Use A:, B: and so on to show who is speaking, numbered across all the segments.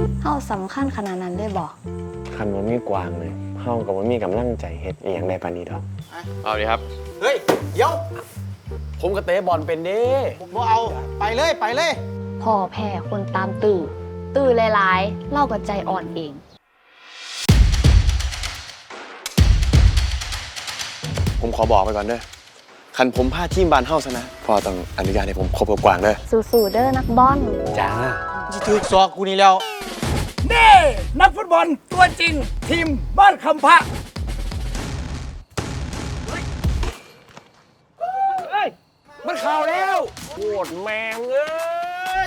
A: เฮาสำคัญขนาดนั้นเลยบอก
B: คันว่ามีกวางเลยเฮากับว่ามีกำลังใจเฮ็ดอหย่างใดปานนี้ดอก
C: เอาดิครับ
D: เฮ้ย เดี๋ยว
C: ผมก็เตะบอลเป็นเด้
D: บ่เอาไปเลยไปเลย
A: พ่อแพ้คนตามตื่นหลายๆ เล่ากับใจอ่อนเอง
B: ผมขอบอกไปก่อนเด้อคันผมพาทีมบ้านเฮาซะนะพ่อต้องอนุญาตให้ผมคบกับกวางเด้อ
A: สู้ๆเด้อนักบอล
B: จ้า
D: จะถือซอกกูนี่แล้ว
E: นี่นักฟุตบอลตัวจริง ทีมบ้านคำพระเฮ้ยมันข่าวแล้ว
C: โคตรแมงเอ้ย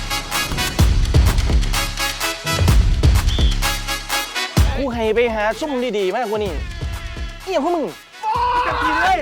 C: กูให้ไปหาซุ่มดีๆมากกว่านี้เอี่ยพวกมึง
E: จะกินเลย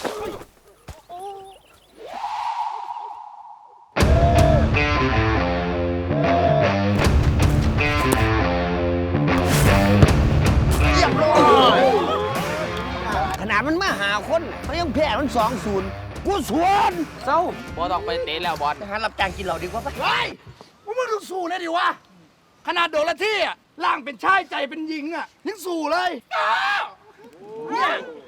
D: ขนาดมันมาหาคนมันยังแพ้มัน2-0กูสวน
C: เศร้าบอต้องไปเตะแล้วบอล
D: ไปหารับจ้างกินเหล้าดีกว่าปะ
E: เฮ้ยมึงต้องสู้นะดิวะ ขนาดโดนละที่อ่ะร่างเป็นชายใจเป็นหญิงอ่ะยังสู้เลยเนี่ย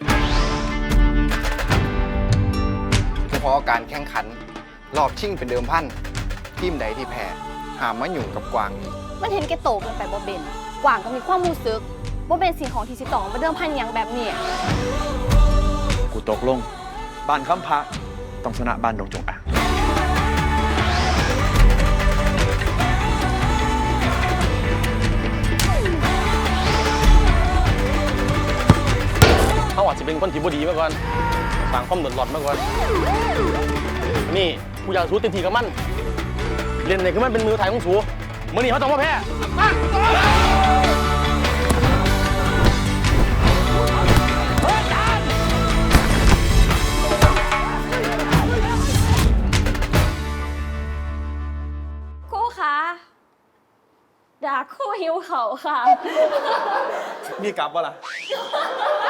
F: เฉพาะการแข่งขัน รอบชิงเป็นเดิมพันทีมใดที่แพ้หามมาอยู่กับกวางอีก
A: มันเห็นแกโตเกินไปบ่เบนกว่างก็มีความรู้สึกบ่เป็นสิ่งของที่สิต้องมาเดิมพันอย่างแบบนี้
B: กูตกลงบ้านคำพระต้องชนะบ้านดงจงอาง
C: เขาอาจจะเป็นคนที่บ่ดีมาก่อนสร้างความเดือดร้อนมาก่อนนี่กูอยากสู้เต็มที่กับมันเล่นไหนคือมันเป็นมือถ่ายของสูมื่อนี้เขาต้องมาแพ้
A: ครูคะด่าครูหิวเขาค่ะ
B: มีกลับบ่ล่ะ